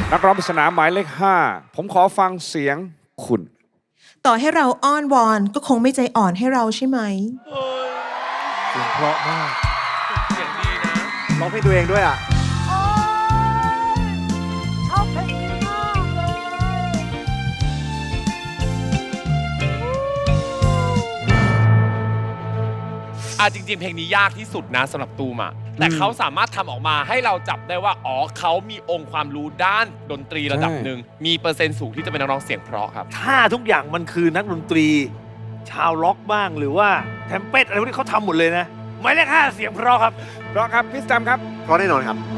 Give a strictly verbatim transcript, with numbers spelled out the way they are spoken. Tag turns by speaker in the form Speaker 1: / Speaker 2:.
Speaker 1: นักร้องปริศนาหมายเลขห้าผมขอฟังเสียงคุณ
Speaker 2: ต่อให้เราอ้อนวอนก็คงไม่ใจอ่อนให้เราใช่ไหม
Speaker 3: เสียงเพราะมาก
Speaker 4: เสียงดีนะ
Speaker 3: ร้องเพลงตัวเองด้วยอ่ะ
Speaker 5: ชอบเพลงนี้มากเลย
Speaker 4: อ่ะจริงๆเพลงนี้ยากที่สุดนะสำหรับตูมอ่ะแต่เขาสามารถทำออกมาให้เราจับได้ว่าอ๋อเขามีองค์ความรู้ด้านดนตรีระดับหนึ่งมีเปอร์เซ็นต์สูงที่จะเป็นนักร้องเสียงเพราะครับ
Speaker 3: ถ้าทุกอย่างมันคือนักดนตรีชาวล็อกบ้างหรือว่าแทมเป็ตอะไรพวกนี้เขาทำหมดเลยนะหมายเลขห้าเสียงเพราะครับ
Speaker 1: เพราะครับพี่สแตมป์ครับ
Speaker 6: เพราะแน่นอนครับ